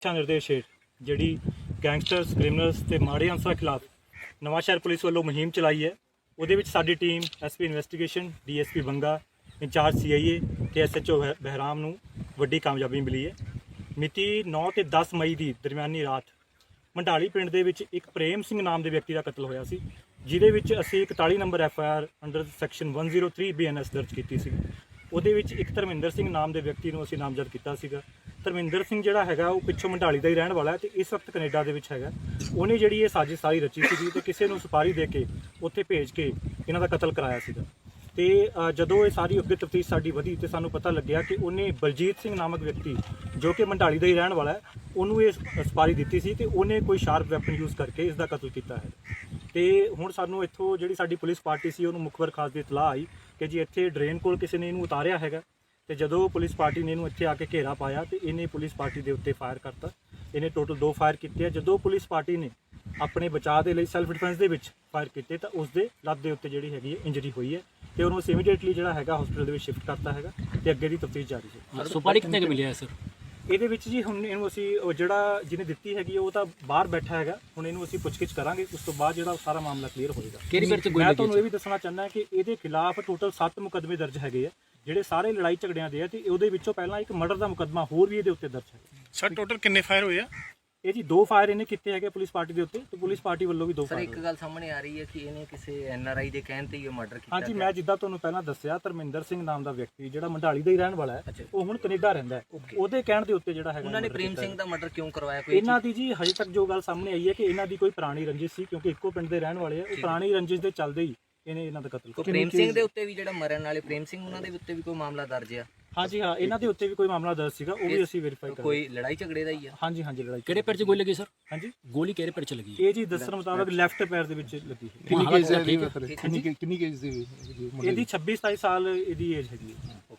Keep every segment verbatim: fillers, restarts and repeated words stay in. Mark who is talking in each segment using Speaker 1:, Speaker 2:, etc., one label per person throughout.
Speaker 1: ਦਿਸ਼ਾ ਨਿਰਦੇਸ਼ ਹੇਠ ਜਿਹੜੀ ਗੈਂਗਸਟਰਸ ਕ੍ਰਿਮੀਨਲਸ ਤੇ ਮਾੜੇ ਅਨਸਰਾਂ ਖਿਲਾਫ ਨਵਾਂਸ਼ਹਿਰ ਪੁਲਿਸ ਵੱਲੋਂ ਮੁਹਿੰਮ ਚਲਾਈ ਹੈ। ਉਹਦੇ ਵਿੱਚ ਸਾਡੀ team SP investigation, DSP Banga, incharge CIA ਤੇ ਐਸਐਚਓ ਬਹਿਰਾਮ ਨੂੰ ਵੱਡੀ ਕਾਮਯਾਬੀ ਮਿਲੀ ਹੈ। ਮਿਤੀ ਨੌ ਤੇ ਦਸ ਮਈ ਦੀ ਦਰਮਿਆਨੀ ਰਾਤ ਮੰਡਾਲੀ ਪਿੰਡ ਦੇ ਵਿੱਚ ਇੱਕ ਪ੍ਰੇਮ ਸਿੰਘ ਨਾਮ ਦੇ ਵਿਅਕਤੀ ਦਾ ਕਤਲ ਹੋਇਆ ਸੀ, ਜਿਹਦੇ ਵਿੱਚ ਅਸੀਂ ਇਕਤਾਲੀ number F I R under section ਇੱਕ ਜ਼ੀਰੋ ਤਿੰਨ ਬੀ ਐਨ ਐਸ ਦਰਜ ਕੀਤੀ ਸੀ। ਉਹਦੇ ਵਿੱਚ ਇੱਕ ਧਰਮਿੰਦਰ ਸਿੰਘ ਨਾਮ ਦੇ ਵਿਅਕਤੀ ਨੂੰ ਅਸੀਂ ਨਾਮਜ਼ਦ ਕੀਤਾ ਸੀਗਾ। ਧਰਮਿੰਦਰ ਸਿੰਘ ਜਿਹੜਾ ਹੈਗਾ ਉਹ ਪਿੱਛੋਂ ਮੰਡਾਲੀ ਦਾ ਹੀ ਰਹਿਣ ਵਾਲਾ ਹੈ ਤੇ ਇਸ ਵਕਤ ਕੈਨੇਡਾ ਦੇ ਵਿੱਚ ਹੈਗਾ। ਉਹਨੇ ਜਿਹੜੀ ਇਹ ਸਾਜ਼ਿਸ਼ ਸਾਰੀ ਰਚੀ ਸੀਗੀ ਤੇ ਕਿਸੇ ਨੂੰ ਸੁਪਾਰੀ ਦੇ ਕੇ ਉੱਥੇ ਭੇਜ ਕੇ ਇਹਨਾਂ ਦਾ ਕਤਲ ਕਰਾਇਆ ਸੀਗਾ। ਤੇ ਜਦੋਂ ਇਹ ਸਾਰੀ ਅੱਗੇ ਤਫਤੀਸ਼ ਸਾਡੀ ਵਧੀ ਤੇ ਸਾਨੂੰ ਪਤਾ ਲੱਗਿਆ ਕਿ ਉਹਨੇ ਬਲਜੀਤ ਸਿੰਘ ਨਾਮਕ ਵਿਅਕਤੀ ਜੋ ਕਿ ਮੰਡਾਲੀ ਦਾ ਹੀ ਰਹਿਣ ਵਾਲਾ ਹੈ, ਉਹਨੂੰ ਇਹ ਸੁਪਾਰੀ ਦਿੱਤੀ ਸੀ ਤੇ ਉਹਨੇ ਕੋਈ ਸ਼ਾਰਪ ਵੈਪਨ ਯੂਜ਼ ਕਰਕੇ ਇਸ ਦਾ ਕਤਲ ਕੀਤਾ ਹੈ। ਤੇ ਹੁਣ ਸਾਨੂੰ ਇੱਥੋਂ ਜਿਹੜੀ ਸਾਡੀ ਪੁਲਿਸ ਪਾਰਟੀ ਸੀ ਉਹਨੂੰ ਮੁਖਬਰ ਖਾਸ ਦੀ ਇਤਲਾਹ ਆਈ ਕਿ ਜੀ ਇੱਥੇ ਡਰੇਨ ਕੋਲ ਕਿਸੇ ਨੇ ਇਹਨੂੰ ਉਤਾਰਿਆ ਹੈਗਾ। ਤੇ ਜਦੋਂ ਪੁਲਿਸ ਪਾਰਟੀ ਨੇ ਇਹਨੂੰ ਇੱਥੇ ਆ ਕੇ ਘੇਰਾ ਪਾਇਆ ਤੇ ਇਹਨੇ ਪੁਲਿਸ ਪਾਰਟੀ ਦੇ ਉੱਤੇ ਫਾਇਰ ਕਰਤਾ। ਇਹਨੇ ਟੋਟਲ ਦੋ ਫਾਇਰ ਕੀਤੇ ਆ। ਜਦੋਂ ਪੁਲਿਸ ਪਾਰਟੀ ਨੇ ਆਪਣੇ ਬਚਾਅ ਦੇ ਲਈ ਸੈਲਫ ਡਿਫੈਂਸ ਦੇ ਵਿੱਚ ਫਾਇਰ ਕੀਤੇ ਤਾਂ ਉਸ ਦੇ ਲੱਤ ਦੇ ਉੱਤੇ ਜਿਹੜੀ ਹੈਗੀ ਹੈ ਇੰਜਰੀ ਹੋਈ ਹੈ ਤੇ ਉਹਨੂੰ ਅਸੀਂ ਇਮੀਡੀਏਟਲੀ ਜਿਹੜਾ ਹੈਗਾ ਹਸਪੀਟਲ ਦੇ ਵਿੱਚ ਸ਼ਿਫਟ ਕਰਤਾ ਹੈਗਾ ਤੇ ਅੱਗੇ ਦੀ ਤਫਤੀਸ਼ ਜਾਰੀ ਹੈ।
Speaker 2: ਸੁਪਾਰੀ ਕਿੰਨੇ ਕੁ ਮਿਲਿਆ ਸਰ?
Speaker 1: ਇਹਦੇ ਵਿੱਚ ਜੀ ਹੁਣ ਇਹਨੂੰ ਅਸੀਂ ਉਹ ਜਿਹੜਾ ਜਿਹਨੇ ਦਿੱਤੀ ਹੈਗੀ ਉਹ ਤਾਂ ਬਾਹਰ ਬੈਠਾ ਹੈਗਾ। ਹੁਣ ਇਹਨੂੰ ਅਸੀਂ ਪੁੱਛਗਿੱਛ ਕਰਾਂਗੇ, ਉਸ ਤੋਂ ਬਾਅਦ ਜਿਹੜਾ ਸਾਰਾ ਮਾਮਲਾ ਕਲੀਅਰ ਹੋਏਗਾ।
Speaker 2: ਕਿਹੜੀ ਪਿੰਡ 'ਚ ਗੋਲੀ
Speaker 1: ਮੈਂ
Speaker 2: ਲੱਗੀ?
Speaker 1: ਤੁਹਾਨੂੰ ਇਹ ਵੀ ਦੱਸਣਾ ਚਾਹੁੰਦਾ ਕਿ ਇਹਦੇ ਖਿਲਾਫ ਟੋਟਲ ਸੱਤ ਮੁਕੱਦਮੇ ਦਰਜ ਹੈਗੇ ਆ, ਜਿਹੜੇ ਸਾਰੇ ਲੜਾਈ ਝਗੜਿਆਂ ਦੇ ਆ ਤੇ ਉਹਦੇ ਵਿੱਚੋਂ ਪਹਿਲਾਂ ਇੱਕ ਮਰਡਰ ਦਾ ਮੁਕੱਦਮਾ ਹੋਰ ਵੀ ਇਹਦੇ ਉੱਤੇ ਦਰਜ ਹੈ।
Speaker 3: ਸਰ ਟੋਟਲ ਕਿੰਨੇ ਫਾਇਰ ਹੋਏ ਆ?
Speaker 1: ਇਹ ਜੀ ਦੋ ਫਾਇਰ ਇਹਨੇ ਕੀਤੇ ਹੈਗੇ ਪੁਲਿਸ ਪਾਰਟੀ ਦੇ ਉੱਤੇ ਤੇ ਪੁਲਿਸ ਪਾਰਟੀ ਵੱਲੋਂ ਵੀ ਦੋ
Speaker 4: ਸਰ
Speaker 1: ਫਾਇਰ।
Speaker 4: ਇੱਕ ਗੱਲ ਸਾਹਮਣੇ ਆ ਰਹੀ ਹੈ ਕਿ ਇਹਨੇ ਕਿਸੇ ਐਨ ਆਰ ਆਈ ਦੇ ਕਹਿਣ ਤੇ ਹੀ ਇਹ ਮਰਡਰ ਕੀਤਾ।
Speaker 1: ਹਾਂਜੀ, ਮੈਂ ਜਿੱਦਾਂ ਤੁਹਾਨੂੰ ਪਹਿਲਾਂ ਦੱਸਿਆ, ਧਰਮਿੰਦਰ ਸਿੰਘ ਨਾਮ ਦਾ ਵਿਅਕਤੀ ਜਿਹੜਾ ਮੰਡਾਲੀ ਦਾ ਹੀ ਰਹਿਣ ਵਾਲਾ ਹੈ, ਉਹ ਹੁਣ ਕੈਨੇਡਾ ਰਹਿੰਦਾ ਹੈ। ਉਹਦੇ ਕਹਿਣ ਦੇ ਉੱਤੇ ਜਿਹੜਾ ਹੈਗਾ
Speaker 4: ਉਹਨਾਂ ਨੇ ਪ੍ਰੇਮ ਸਿੰਘ ਦਾ ਮਰਡਰ ਕਿਉਂ ਕਰਵਾਇਆ? ਕੋਈ
Speaker 1: ਇਹਨਾਂ ਦੀ ਜੀ ਹਜੇ ਤੱਕ ਜੋ ਗੱਲ ਸਾਹਮਣੇ ਆਈ ਹੈ ਕਿ ਇਹਨਾਂ ਦੀ ਕੋਈ ਪੁਰਾਣੀ ਰੰਜਿਸ਼ ਸੀ, ਕਿਉਂਕਿ ਇੱਕੋ ਪਿੰਡ ਦੇ ਰਹਿਣ ਵਾਲੇ ਆ। ਉਹ ਪੁਰਾਣੀ ਰੰਜਿਸ਼ ਦੇ ਚੱਲਦੇ ਹੀ ਇਹਨੇ ਇਹਨਾਂ ਦਾ ਕਤਲ ਕੀਤਾ।
Speaker 4: ਪ੍ਰੇਮ ਸਿੰਘ ਦੇ ਉੱਤੇ ਵੀ ਜਿਹੜਾ ਮਰਨ ਵਾਲੇ ਪ੍ਰੇਮ ਸਿੰਘ ਉਹਨਾਂ ਦੇ ਉੱਤੇ ਵੀ ਕੋਈ ਮਾਮਲਾ ਦਰਜ ਆ?
Speaker 1: ਹਾਂਜੀ ਹਾਂ, ਇਹਨਾਂ ਦੇ ਉੱਤੇ ਵੀ ਕੋਈ ਮਾਮਲਾ ਦਰਜ ਸੀਗਾ, ਉਹ ਵੀ ਅਸੀਂ ਵੈਰੀਫਾਈ ਕਰਾਂਗੇ।
Speaker 4: ਕੋਈ ਲੜਾਈ ਝਗੜੇ ਦਾ ਹੀ ਆ?
Speaker 1: ਹਾਂਜੀ ਹਾਂਜੀ, ਲੜਾਈ
Speaker 2: ਕਿਹੜੇ ਪੈਰ 'ਚ ਗੋਲੀ ਲੱਗੀ ਸਰ?
Speaker 1: ਹਾਂਜੀ,
Speaker 2: ਗੋਲੀ ਕਿਹੜੇ ਪੈਰ 'ਚ ਲੱਗੀ?
Speaker 1: ਇਹ ਜੀ ਦੱਸਣ ਮੁਤਾਬਕ ਲੈਫਟ ਪੈਰ ਦੇ ਵਿੱਚ ਲੱਗੀ ਹੈ।
Speaker 3: ਕਿੰਨੀ ਕੇਸ ਦੀ
Speaker 2: ਕਿੰਨੀ
Speaker 3: ਕਿੰਨੀ ਕੇਸ ਦੀ?
Speaker 1: ਇਹਦੀ ਛੱਬੀ ਸਤਾਈ ਸਾਲ ਇਹਦੀ ਏਜ ਹੈਗੀ ਹੈ।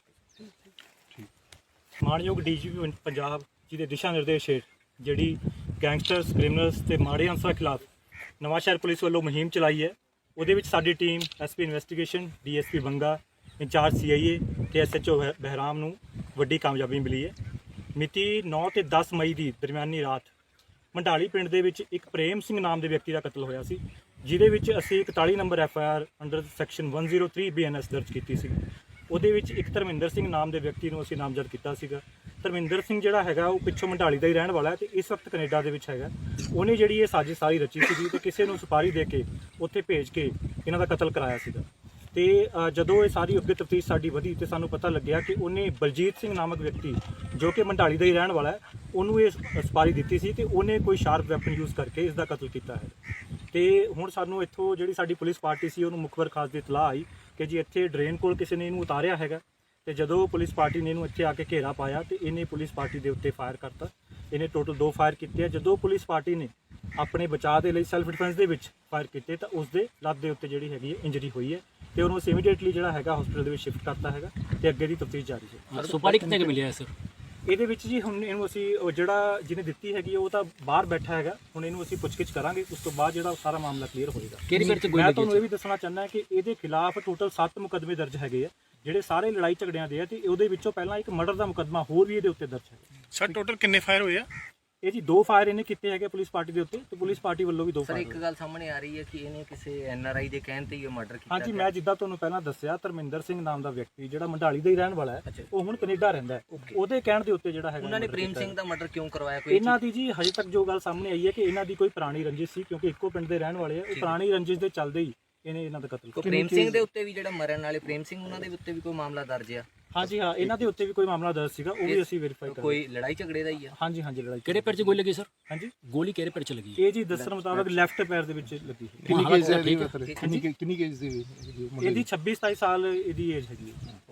Speaker 1: ਮਾਣਯੋਗ ਡੀਜੀਪੀ ਪੰਜਾਬ ਜੀ ਦੇ ਦਿਸ਼ਾ ਨਿਰਦੇਸ਼ ਹੇਠ ਜਿਹੜੀ ਗੈਂਗਸਟਰਸ ਕ੍ਰਿਮੀਨਲਸ ਤੇ ਮਾੜੇ ਅਨਸਰਾਂ ਖਿਲਾਫ ਨਵਾਂਸ਼ਹਿਰ ਪੁਲਿਸ ਵੱਲੋਂ ਮੁਹਿੰਮ ਚਲਾਈ ਹੈ। ਉਹਦੇ ਵਿੱਚ ਸਾਡੀ team SP investigation, DSP Banga, incharge CIA ਤੇ ਐਸਐਚਓ ਬਹਿਰਾਮ ਨੂੰ ਵੱਡੀ ਕਾਮਯਾਬੀ ਮਿਲੀ ਹੈ। ਮਿਤੀ ਨੌ ਤੇ ਦਸ ਮਈ ਦੀ ਦਰਮਿਆਨੀ ਰਾਤ ਮੰਡਾਲੀ ਪਿੰਡ ਦੇ ਵਿੱਚ ਇੱਕ ਪ੍ਰੇਮ ਸਿੰਘ ਨਾਮ ਦੇ ਵਿਅਕਤੀ ਦਾ ਕਤਲ ਹੋਇਆ ਸੀ, ਜਿਹਦੇ ਵਿੱਚ ਅਸੀਂ ਇਕਤਾਲੀ number F I R under section ਇੱਕ ਜ਼ੀਰੋ ਤਿੰਨ ਬੀ ਐਨ ਐਸ ਦਰਜ ਕੀਤੀ ਸੀ। ਉਹਦੇ ਵਿੱਚ ਇੱਕ ਧਰਮਿੰਦਰ ਸਿੰਘ ਨਾਮ ਦੇ ਵਿਅਕਤੀ ਨੂੰ ਅਸੀਂ ਨਾਮਜ਼ਦ ਕੀਤਾ ਸੀਗਾ। ਧਰਮਿੰਦਰ ਸਿੰਘ ਜਿਹੜਾ ਹੈਗਾ ਉਹ ਪਿੱਛੋਂ ਮੰਡਾਲੀ ਦਾ ਹੀ ਰਹਿਣ ਵਾਲਾ ਹੈ ਤੇ ਇਸ ਵਕਤ ਕੈਨੇਡਾ ਦੇ ਵਿੱਚ ਹੈਗਾ। ਉਹਨੇ ਜਿਹੜੀ ਇਹ ਸਾਜ਼ਿਸ਼ ਸਾਰੀ ਰਚੀ ਸੀਗੀ ਤੇ ਕਿਸੇ ਨੂੰ ਸੁਪਾਰੀ ਦੇ ਕੇ ਉੱਥੇ ਭੇਜ ਕੇ ਇਹਨਾਂ ਦਾ ਕਤਲ ਕਰਾਇਆ ਸੀਗਾ। ਤੇ ਜਦੋਂ ਇਹ ਸਾਰੀ ਅੱਗੇ ਤਫਤੀਸ਼ ਸਾਡੀ ਵਧੀ ਤੇ ਸਾਨੂੰ ਪਤਾ ਲੱਗਿਆ ਕਿ ਉਹਨੇ ਬਲਜੀਤ ਸਿੰਘ ਨਾਮਕ ਵਿਅਕਤੀ ਜੋ ਕਿ ਮੰਡਾਲੀ ਦਾ ਹੀ ਰਹਿਣ ਵਾਲਾ ਹੈ, ਉਹਨੂੰ ਇਹ ਸੁਪਾਰੀ ਦਿੱਤੀ ਸੀ ਤੇ ਉਹਨੇ ਕੋਈ ਸ਼ਾਰਪ ਵੈਪਨ ਯੂਜ਼ ਕਰਕੇ ਇਸ ਦਾ ਕਤਲ ਕੀਤਾ ਹੈ। ਤੇ ਹੁਣ ਸਾਨੂੰ ਇੱਥੋਂ ਜਿਹੜੀ ਸਾਡੀ ਪੁਲਿਸ ਪਾਰਟੀ ਸੀ ਉਹਨੂੰ ਮੁਖਬਰ ਖਾਸ ਦੀ ਇਤਲਾਹ ਆਈ ਕਿ ਜੀ ਇੱਥੇ ਡਰੇਨ ਕੋਲ ਕਿਸੇ ਨੇ ਇਹਨੂੰ ਉਤਾਰਿਆ ਹੈਗਾ। ਤੇ ਜਦੋਂ ਪੁਲਿਸ ਪਾਰਟੀ ਨੇ ਇਹਨੂੰ ਇੱਥੇ ਆ ਕੇ ਘੇਰਾ ਪਾਇਆ ਤੇ ਇਹਨੇ ਪੁਲਿਸ ਪਾਰਟੀ ਦੇ ਉੱਤੇ ਫਾਇਰ ਕਰਤਾ। ਇਹਨੇ ਟੋਟਲ ਦੋ ਫਾਇਰ ਕੀਤੇ ਆ। ਜਦੋਂ ਪੁਲਿਸ ਪਾਰਟੀ ਨੇ ਆਪਣੇ ਬਚਾਅ ਦੇ ਲਈ ਸੈਲਫ ਡਿਫੈਂਸ ਦੇ ਵਿੱਚ ਫਾਇਰ ਕੀਤੇ ਤਾਂ ਉਸ ਦੇ ਲੱਤ ਦੇ ਉੱਤੇ ਜਿਹੜੀ ਹੈਗੀ ਹੈ ਇੰਜਰੀ ਹੋਈ ਹੈ ਤੇ ਉਹਨੂੰ ਅਸੀਂ ਇਮੀਡੀਏਟਲੀ ਜਿਹੜਾ ਹੈਗਾ ਹਸਪੀਟਲ ਦੇ ਵਿੱਚ ਸ਼ਿਫਟ ਕਰਤਾ ਹੈਗਾ ਤੇ ਅੱਗੇ ਦੀ ਤਫਤੀਸ਼ ਜਾਰੀ ਹੈ।
Speaker 2: ਸੁਪਾਰੀ ਕਿੰਨੇ ਕੁ ਮਿਲਿਆ ਸਰ?
Speaker 1: ਇਹਦੇ ਵਿੱਚ ਜੀ ਹੁਣ ਇਹਨੂੰ ਅਸੀਂ ਉਹ ਜਿਹੜਾ ਜਿਹਨੇ ਦਿੱਤੀ ਹੈਗੀ ਉਹ ਤਾਂ ਬਾਹਰ ਬੈਠਾ ਹੈਗਾ। ਹੁਣ ਇਹਨੂੰ ਅਸੀਂ ਪੁੱਛਗਿੱਛ ਕਰਾਂਗੇ, ਉਸ ਤੋਂ ਬਾਅਦ ਜਿਹੜਾ ਸਾਰਾ ਮਾਮਲਾ ਕਲੀਅਰ ਹੋਏਗਾ।
Speaker 2: ਕਿਹੜੀ ਪਿੰਡ 'ਚ ਗੋਲੀ
Speaker 1: ਮੈਂ
Speaker 2: ਲੱਗੀ?
Speaker 1: ਤੁਹਾਨੂੰ ਇਹ ਵੀ ਦੱਸਣਾ ਚਾਹੁੰਦਾ ਕਿ ਇਹਦੇ ਖਿਲਾਫ ਟੋਟਲ ਸੱਤ ਮੁਕੱਦਮੇ ਦਰਜ ਹੈਗੇ ਆ, ਜਿਹੜੇ ਸਾਰੇ ਲੜਾਈ ਝਗੜਿਆਂ ਦੇ ਆ ਤੇ ਉਹਦੇ ਵਿੱਚੋਂ ਪਹਿਲਾਂ ਇੱਕ ਮਰਡਰ ਦਾ ਮੁਕੱਦਮਾ ਹੋਰ ਵੀ ਇਹਦੇ ਉੱਤੇ ਦਰਜ ਹੈ।
Speaker 3: ਸਰ ਟੋਟਲ ਕਿੰਨੇ ਫਾਇਰ ਹੋਏ ਆ?
Speaker 1: ਇਹ ਜੀ ਦੋ ਫਾਇਰ ਇਹਨੇ ਕੀਤੇ ਹੈਗੇ ਪੁਲਿਸ ਪਾਰਟੀ ਦੇ ਉੱਤੇ ਤੇ ਪੁਲਿਸ ਪਾਰਟੀ ਵੱਲੋਂ ਵੀ ਦੋ
Speaker 4: ਸਰ
Speaker 1: ਫਾਇਰ।
Speaker 4: ਇੱਕ ਗੱਲ ਸਾਹਮਣੇ ਆ ਰਹੀ ਹੈ ਕਿ ਇਹਨੇ ਕਿਸੇ ਐਨ ਆਰ ਆਈ ਦੇ ਕਹਿਣ ਤੇ ਹੀ ਇਹ ਮਰਡਰ ਕੀਤਾ।
Speaker 1: ਹਾਂਜੀ, ਮੈਂ ਜਿੱਦਾਂ ਤੁਹਾਨੂੰ ਪਹਿਲਾਂ ਦੱਸਿਆ, ਧਰਮਿੰਦਰ ਸਿੰਘ ਨਾਮ ਦਾ ਵਿਅਕਤੀ ਜਿਹੜਾ ਮੰਡਾਲੀ ਦਾ ਹੀ ਰਹਿਣ ਵਾਲਾ ਹੈ, ਉਹ ਹੁਣ ਕੈਨੇਡਾ ਰਹਿੰਦਾ ਹੈ। ਉਹਦੇ ਕਹਿਣ ਦੇ ਉੱਤੇ ਜਿਹੜਾ ਹੈਗਾ
Speaker 4: ਉਹਨਾਂ ਨੇ ਪ੍ਰੇਮ ਸਿੰਘ ਦਾ ਮਰਡਰ ਕਿਉਂ ਕਰਵਾਇਆ? ਕੋਈ
Speaker 1: ਇਹਨਾਂ ਦੀ ਜੀ ਹਜੇ ਤੱਕ ਜੋ ਗੱਲ ਸਾਹਮਣੇ ਆਈ ਹੈ ਕਿ ਇਹਨਾਂ ਦੀ ਕੋਈ ਪੁਰਾਣੀ ਰੰਜਿਸ਼ ਸੀ, ਕਿਉਂਕਿ ਇੱਕੋ ਪਿੰਡ ਦੇ ਰਹਿਣ ਵਾਲੇ ਆ। ਉਹ ਪੁਰਾਣੀ ਰੰਜਿਸ਼ ਦੇ ਚੱਲਦੇ ਹੀ ਇਹਨੇ ਇਹਨਾਂ ਦਾ ਕਤਲ ਕੀਤਾ।
Speaker 4: ਪ੍ਰੇਮ ਸਿੰਘ ਦੇ ਉੱਤੇ ਵੀ ਜਿਹੜਾ ਮਰਨ ਵਾਲੇ ਪ੍ਰੇਮ ਸਿੰਘ ਉਹਨਾਂ ਦੇ ਉੱਤੇ ਵੀ ਕੋਈ ਮਾਮਲਾ ਦਰਜ ਆ?
Speaker 1: ਹਾਂਜੀ ਹਾਂ, ਇਹਨਾਂ ਦੇ ਉੱਤੇ ਵੀ ਕੋਈ ਮਾਮਲਾ ਦਰਜ ਸੀਗਾ, ਉਹ ਵੀ ਅਸੀਂ ਵੈਰੀਫਾਈ ਕਰਾਂਗੇ।
Speaker 4: ਕੋਈ ਲੜਾਈ ਝਗੜੇ ਦਾ ਹੀ ਆ?
Speaker 1: ਹਾਂਜੀ ਹਾਂਜੀ, ਲੜਾਈ।
Speaker 2: ਕਿਹੜੇ ਪੈਰ 'ਚ ਗੋਲੀ ਲੱਗੀ ਸਰ?
Speaker 1: ਹਾਂਜੀ,
Speaker 2: ਗੋਲੀ ਕਿਹੜੇ ਪੈਰ 'ਚ ਲੱਗੀ?
Speaker 1: ਇਹ ਜੀ ਦੱਸਣ ਮੁਤਾਬਕ ਲੈਫਟ ਪੈਰ ਦੇ ਵਿੱਚ ਲੱਗੀ ਹੈ।
Speaker 3: ਕਿੰਨੀ ਕੇਸ ਦੀ? ਕਿੰਨੀ ਕਿੰਨੀ ਕੇਸ ਦੀ?
Speaker 1: ਇਹਦੀ ਛੱਬੀ ਸਤਾਈ ਸਾਲ ਇਹਦੀ ਏਜ ਹੈਗੀ ਹੈ।